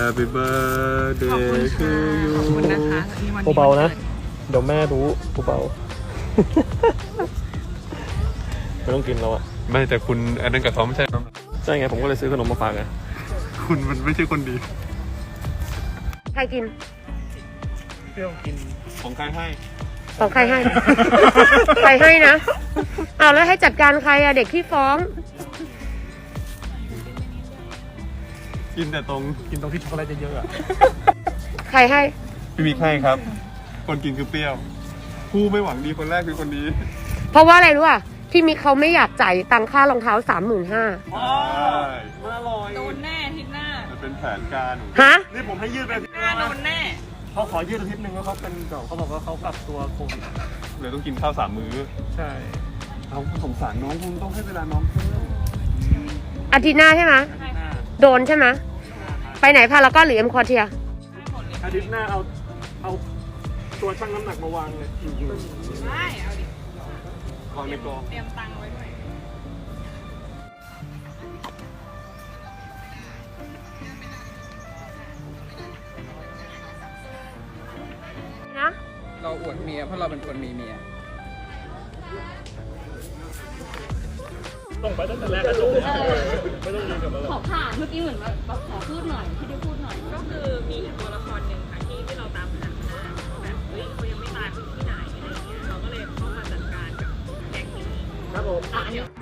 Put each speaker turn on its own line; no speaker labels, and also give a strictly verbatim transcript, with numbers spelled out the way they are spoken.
Happy birthday to you
ขอบคุณนะคะ
เบาๆนะเดี๋ยวแม่รู้เบาไม่ต้องกินแล้วอ่ะ
ไม่แต่คุณอันนั้นกับเขาไม่ใช่
ใช่ไงผมก็เลยซื้อขนมมาฝากไง
คุณมันไม่ใช่คนดี
ใครกิน
เปรี้ยวกินของใครให้
ของใครให้ ใครให้นะเอาแล้วให้จัดการใครอะเด็กที่ฟ้อง
กินแต่ตรง
กินตรงที่ช็อกโกแลตเยอะๆอ่ะ
ใครให้
พี่มิกให้ครับ คนกินคือเปรี้ยว ผู้ไม่หวังดีคนแรกคือคนนี้
เพราะว่าอะไรรู้อ่ะที่มิกเขาไม่อยากจ่ายตังค่ารองเท้าสามหมื่นห้า
ใช่
อร่อย
โดนแน่อาทิตย์หน้า
มันเป็นแผนการของ
ฮะ
นี่ผมให้ยืดไป
หน้าโดนแน่
เขาขอยืดอาทิตย์หนึ่งแล้วเขาเป็นเขาบอกว่าเขาปรับตัวโควิด
เลยต้องกินข้าวสามมื้อ
ใช่
เอาสงสารน้องคุณต้องให้เวลาน้องเพิ่ม
อาทิตย์หน้าใช่ไหมโดนใช่ไหมไปไหนพารากอนหรือเอ็มคอเทีย
อาทิตย์หน้าเอาเอาตัวชั่งน้ำหนักมาวางเลย
ได้เอาดิ
วางในกล่อง
เตรียมตังค์ไว้ด้วย
นะ
เราอวดเมียเพราะเราเป็นคนมีเมีย
ต้องไปตั้งแต่แรกก็จบแล้วไม่ต้องยืนกับเรา
ขอผ่านเมื่อกี้เหมือนแบบขอพูดหน่อยที่ได้พูดหน่อย
ก็คือมีอีกตัวละครหนึ่งค่ะที่ที่เราตามหามานานแบบเฮ้ยเขายังไม่ตายเขาอยู่ที่ไหนอะไรอย่างเงี้ยเราก็เลยเข้ามาจัดการกับแก๊งนี้
ครับผม
อ่ะอันนี้